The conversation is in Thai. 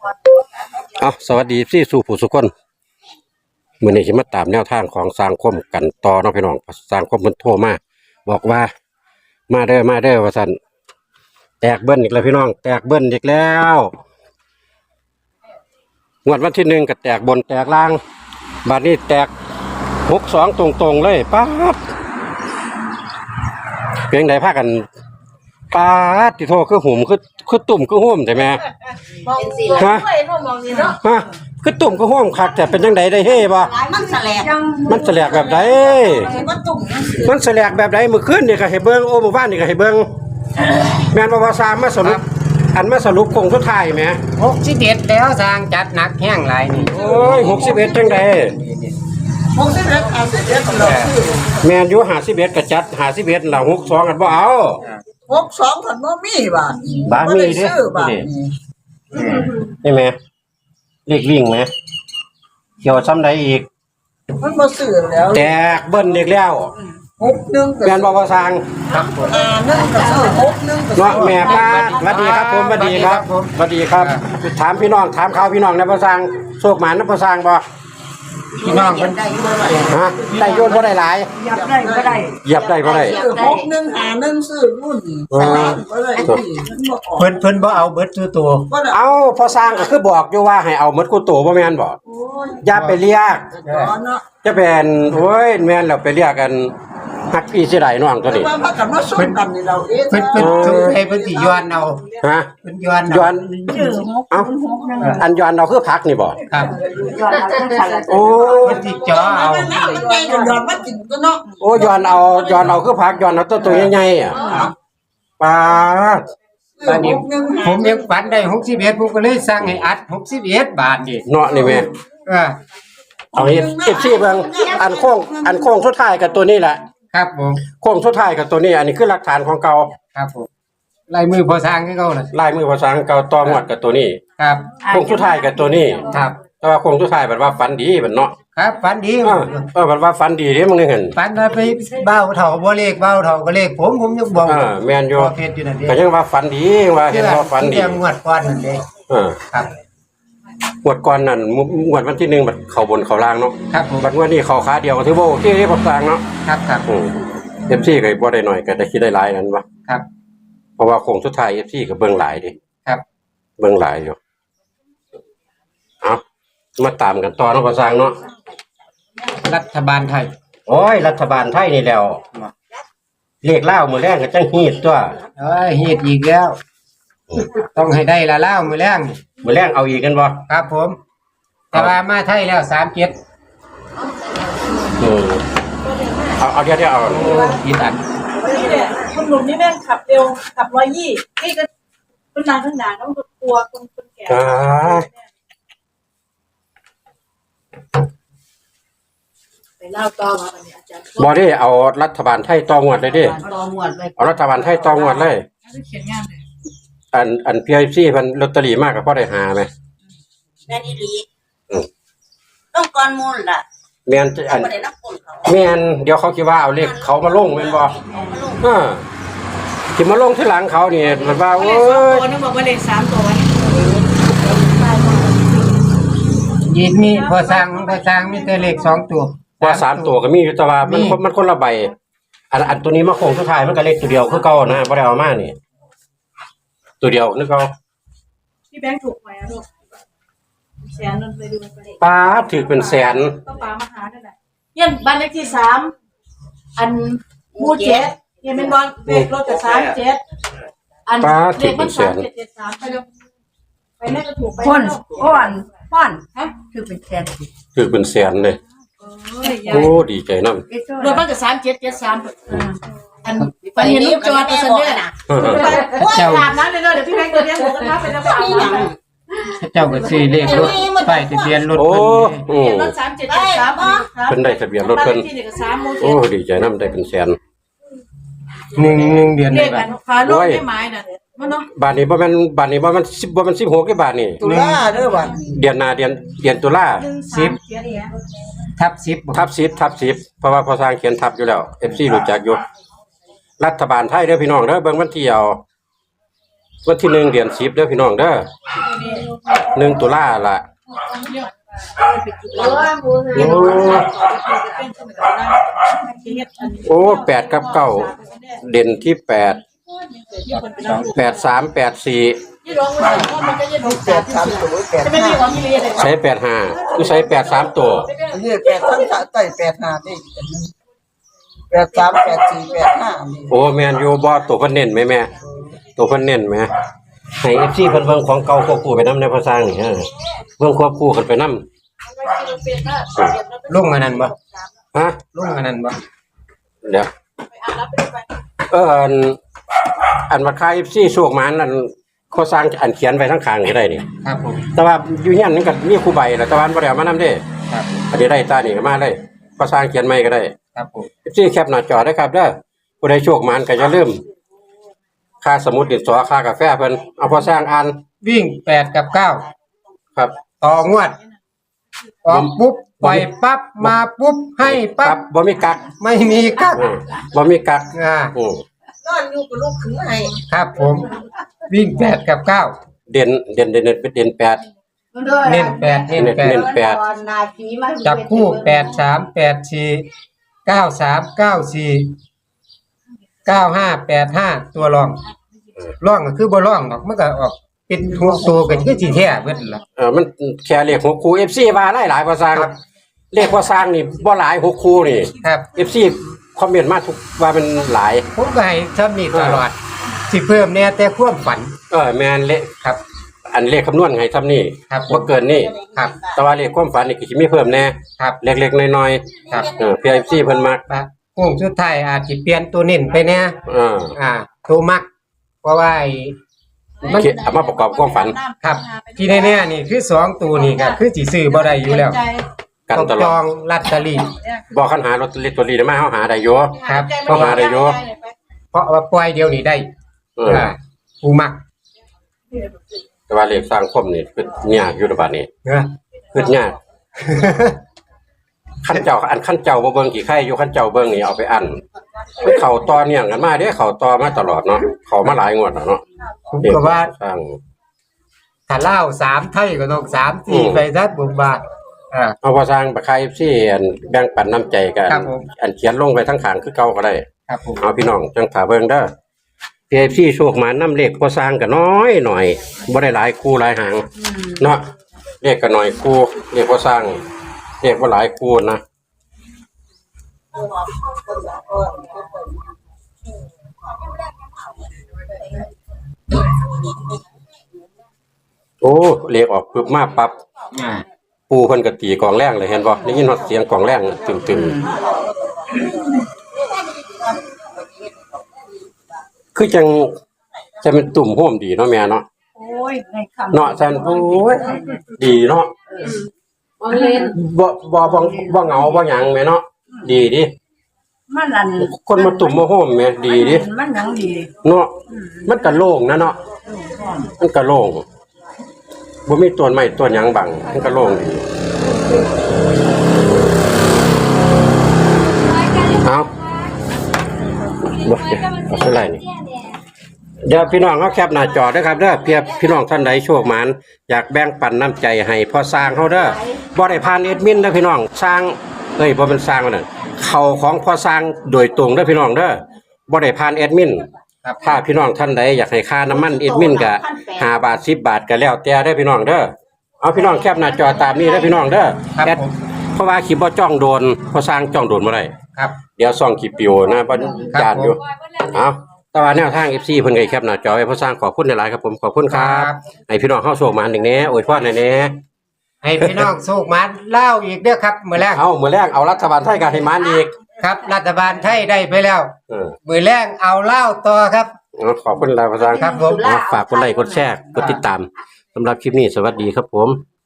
เอาสวัสดีพี่สู่ผู้สุคนมื้อนี้สิมาตามแนวทางของสร้างคมกันต่อเนาะพี่น้องสร้างคมเพิ่นโทรมาบอกว่ามาเด้อว่าซั่นแตกเบิ้ลอีกแล้วพี่น้องแตกเบิ้ลอีกแล้วงวดวันที่1ก็แตกบนแตกล่างบัดนี้แตก62ตรงๆเลยป๊าดเพียงใดพากันป๊าดที่โทรคือหุ่มคือตุ่มคือห่มใช่ไหมฮะฮะคือตุ่มคือห่มคักแต่เป็นจังไดได้เฮ่บ่มันแสลกมันแสลกแบบใดมันแสลกแบบใดมื้อคืนนี่ก็ให้เบิ่งโอ้มื้อวานนี่ก็ให้เบิ่งแม่นบ่ว่าสามมาสรุปมาสรุปคงสุดท้ายแหม 61แล้วสร้างจัดหนักแห้งหลายนี่โอ้ย61จังไดแม่นอยู่51ก็จัด51ล่ะ62อันบ่เอา 62ผันบ่มีบาทบ้านมีเด้นี่แม่เลขวิ่งแหมเกี่ยวซ้ำใดอีกมันบ่ซื้อแล้วแตกเบิ้ลอีกแล้ว 61 แม่นบ่ว่าสร้างครับผม 1ก็ซื้อ61ก็เนาะแม่ป้าสวัสดีครับผมสวัสดีครับสวัสดีครับถามพี่น้องถามข่าวพี่น้องนะบ่สร้างโชคหมานนะบ่สร้างบ่พี่น้องเพิ่นฮะได้โยนบ่ได้หลายเหยียบได้บ่ได้เหยียบได้บ่ได้ 6151ซื้อรุ่นบ่ได้เพิ่นบ่เอาเบิดตัวเอาพอสร้างก็คือบอกอยู่ว่าให้เอาหมดกูโตบ่แม่นบ่อย่าไปเรียกจะเป็นโอ้ยแม่นแล้วไปเรียกกันฮักพี่สิได้น้องตัวนี้ว่าพากันมาสู้กันนี่เราเองเพิ่นสงสัยเพิ่นสิย้อนเอาฮะเพิ่นย้อนเอ้าอันย้อนเอาคือพักนี่บ่ครับโอ้เพิ่นสิจ่อเอาย้อนมากินตัวเนาะโอ้ย้อนเอาคือพักย้อนเอาตัวใหญ่ๆอ่ะป๊าดตอนนี้ผมยังฝันได้61ผมก็เลยสั่งให้อัด61บาทนี่เนาะนี่แม่เอาเฮ็ด FC เบิ่งอันโค้งสุดท้ายกับตัวนี้แหละครับผมโค้งสุดท้ายกับตัวนี้อันนี้คือหลักฐานของเก่าครับผมลายมือพอสร้างคือเก่าน่ะลายมือภาษาเก่าต่องวดกับตัวนี้ครับโค้งสุดท้ายกับตัวนี้ครับแต่ว่าโค้งสุดท้ายแบบว่าฝันดีบัดเนาะครับฝันดีแบบว่าฝันดีเด้มึงเห็นฝันว่าไปเบ้าเฒ่าบ่เลขเบ้าเฒ่าก็เลขผมยังบอกแม่นอยู่เฮ็ดอยู่นั่นเด้ก็ยังว่าฝันดีว่าเห็นว่าฝันดีงวดก่อนนั่นเด้ครับงวดก่อนนั่นงวดวันที่1บัดเข้าบนเข้าล่างเนาะครับผมบัดงวดนี้เข้าขาเดียวก็ถือว่าโอเคพอสร้างเนาะครับ FC ก็บ่ได้น้อยก็ได้คิดได้หลายนั่นวะครับเพราะว่าโค้งสุดท้าย FC ก็เบิ่งหลายดิครับเบิ่งหลายอยู่เอามาตามกันต่อเนาะพอสร้างเนาะรัฐบาลไทยโอ้ยรัฐบาลไทยนี่แล้วเลขลาวมื้อแรงก็จังฮีดตัวฮีดอีกแล้วต้องให้ได้ละลาวมื้อแรงเอาอีกกันบ่ครับผมแต่ว่ามาไทยแล้ว37 เอาเดี๋ยวเอาผิดอันนี่แหละคนหนุ่มนี่แม่งขับเร็วขับ120นี่ก็คนนางข้างหน้าต้องกลัวคนแก่ไปเล่าต่อมาอันนี้อาจารย์บ่ได้เอารัฐบาลไทยต่องวดเลยดิเอารัฐบาลไทยต่องวดเลยเขียนงานเลยอัน PIC เพิ่นลอตเตอรี่มากก็พอได้หามั้ยแม่นอีหลีต้องก่อนมูลล่ะแม่นอันแม่นเดี๋ยวเขาคิดว่าเอาเลขเขามาลงแม่นบ่สิมาลงที่หลังเขานี่มันว่าโอ้ยต้องบอกว่าเลข3ตัวยีดมีพอสร้างมีแต่เลข2ตัวว่า3ตัวก็มีอยู่แต่ว่ามันคนละใบอันตัวนี้มาโค้งสุดท้ายมันก็เลขตัวเดียวคือเก่านะบ่ได้เอามานี่ตัวเดียวนึกเอาพี่แบงค์ถูกไหมลูกแสนนั่นไปดูป้าถือเป็นแสนต้องป้ามาหาได้แหละเยี่ยมบ้านเลขที่3อันหมู่7เยี่ยมเป็นบอลเลขรถกับ37อันเลขมัน3773ไปแล้วไปแม่ก็ถูกไปป้อนฮะคือเป็นแสนเลยโอ้ดีใจนำรถมันก็3773อันไปเห็นลูกจอดไปซั่นเด้อน่ะเจ้าอาบน้ำเลยเด้อเดี๋ยวพี่แบงค์ตัวเนี้ยหมูกระทะเป็นน้ำอาบน้ำเจ้าก็ซื้อเลขรถป้ายทะเบียนรถเพิ่นรถ3773 เพิ่นได้ทะเบียนรถเพิ่นโอ้ดีใจนำได้เป็นแสน 1เดือนได้บาทฟ้าโลกได้ไม้น่ะมันเนาะบาทนี้บ่แม่น10บ่แม่น16ได้บาทนี่ตุลาเด้อบาทเดือนหน้าเดือนตุลา 10/10 เพราะว่าพอสร้างเขียนทับอยู่แล้ว FC รู้จักอยู่รัฐบาลไทยเด้อพี่น้องเด้อเบิ่งวันที่เอาวันที่1เดือน10เด้อพี่น้องเด้อ 1 ตุลาล่ะโอ้8กับ9เด่นที่8 8 3 8 4ใช้85คือใช้8 3ตัวนี่8ทั้งใต้85นี่83 84 85นี่โอ้แม่นอยู่บ่ตัวเพิ่นเน้นไหมแม่ตัวเพิ่นเน้นไหมให้ FC เพิ่นเบิ่งของเก่าควบคู่ไปนำในภาษานี่เบิ่งควบคู่กันไปนำลุงอันนั้นบ่ฮะลุงอันนั้นบ่เดี๋ยวอันว่าค่า FC โชคมันอันเขาสร้างอันเขียนไว้ทั้งข้างนี่ได้นี่ครับผมแต่ว่าอยู่เฮียนมันก็มีครูใบแล้วแต่ว่าบ่ได้เอามานำเด้ครับอันนี้ได้ตานี่ก็มาเลยเขาสร้างเขียนใหม่ก็ได้ครับผม FC แคปหน้าจอได้ครับเด้อผู้ใดโชคมันก็อย่าลืมค่าสมุดดินสอค่ากาแฟเพิ่นเอาพอสร้างอ่านวิ่ง8กับ9 ครับต่องวดออกปุ๊บปล่อยปั๊บมาปุ๊บให้ครัปั๊บบ บ่มีกักไม่มีกักบ่มีกักนอนอยู่กับลูกขึ้นให้ครับผม วิ่ง8กับ9 เด่นเป็นเด่น8 เน้น8เน้นเน้น 8จับคู่8 3 8 4 9 3 9 4 9 5 8 5ตัวรองร่องก็คือบ่ร่องหรอกมันก็ออกเป็นหัวตัวก็คือสิแท้เบิดล่ะมันแค่เลข6คู่ FC ว่าหลายๆพอสร้างครับเลขพอสร้างนี่บ่หลาย6คู่นี่ครับ FC คอมเมนต์มาทุกว่ามันหลายผมก็ให้ทำนี่ตลอดสิเพิ่มแน่แต่ความฝันแม่นเลขครับอันเลขคำนวณให้ทำนี่ครับบ่เกินนี่ครับแต่ว่าเลขความฝันนี่ก็สิมีเพิ่มแน่ครับเล็กๆน้อยครับๆPFC เพิ่นมักโค้งสุดท้ายอาจสิเปลี่ยนตัวเน้นไปแน่ ตัวมัก เพราะว่ามันเอามาประกอบความฝันครับ ที่แน่ๆนี่คือ2ตัวนี่ก็คือสิซื้อบ่ได้อยู่แล้วกันต้องตลจออดงลอตเตอรี่บ่คันหาลอตเตอรี่ตัวนี้ได้มาเฮาหาได้อยู่ครับเพราะว่าได้อยู่เพราะว่าปล่อยเดียวนี่ได้ผู้มักแต่ว่าเลขสร้างคมนี่คือยากอยู่ระบาดนี้เนาะคือยากขั้นเจ้าบ่เบิ่งกี่ไข่อยู่ขั้นเจ้าเบิ่งนี่เอาไปอันมันเข้าต่อเนื่องกันมาเด้เข้าต่อมาตลอดเนาะเข้ามาหลายงวดแล้วเนาะผมก็ว่าสร้างถ้าเล่า3ไทยก็ต้อง3 4ไปซะผมว่าเอาพอสร้างบักไข่ FC อันแบ่งปันน้ำใจกันครับผมอันเขียนลงไปทั้งข้างคือเก่าก็ได้ครับผมเอาพี่น้องจังถาเบิ่งเด้อ PFC โชคมานํเลขพอสร้างก็น้อยหน่อยบ่ได้หลายคู่หลายหางเนาะเลขก็น้อยคู่เลขพอสร้างเลขบ่หลายคู่นะโอ้เลขออกปึ๊บมาปั๊บปูเพิ่นก็ตีกองแรงเลยเห็นบ่ได้ยินฮอดเสียงกองแรงตึมๆคือจังจะเป็นตุ่มโฮมดีเนาะแม่เนาะโอ้ยในคำเนาะซั่นโอ้ยดีเนาะมันเล่นบ่เหงาบ่หยังแม่เนาะดีดิมันอันคนมาตุ่มมาโฮมแม่ดีดิมันหยังดีเนาะมันก็โล่งนะเนาะมันก็โล่งบ่มีต้นไม้ต้นหยังบังมันก็โล่งดีเอาบ่เอาเท่าไหร่นี่เดี๋ยวพี่น้องเฮาแคปหน้าจอเด้อครับเด้อเพียบพี่น้องท่านใดโชคหมานอยากแบ่งปันน้ำใจให้พอสร้างเฮาเด้อบ่ได้ผ่านแอดมินเด้อพี่น้องสร้างบ่เป็นสร้างว่านั่นเข้าของพอสร้างโดยตรงเด้อพี่น้องเด้อบ่ได้ผ่านแอดมินครับถ้าพี่น้องท่านใดอยากให้ค่าน้ำมันแอดมินก็5 บาท10 บาทก็แล้วแต่เด้อพี่น้องเด้อเอาพี่น้องแคปหน้าจอตามนี้เด้อพี่น้องเด้อครับแอดผมเพราะว่าคลิปบ่จ้องโดนพอสร้างจ้องโดนบ่ได้ครับเดี๋ยวซ่องคลิปปิวนะบ่ญาติอยู่เอาแต่ว่าแนวทาง FC เพิ่นก็แคปหน้าจอไว้พอสร้างขอบคุณหลายๆครับผมขอบคุณครับให้พี่น้องเฮาโชคมาหนึ่งแหน่อวยพรหน่อยแหน่ให้พี่น้องโชคมาเล่าอีกเด้อครับมื้อแรกเอามื้อแรกเอารัฐบาลไทยก็ให้มานอีกครับ รัฐบาลไทยได้ไปแล้วเออมื้อแรกเอาเล่าต่อครับขอบคุณหลายพอสร้างครับผมฝากกดไลค์กดแชร์กดติดตามสำหรับคลิปนี้สวัสดีครับผม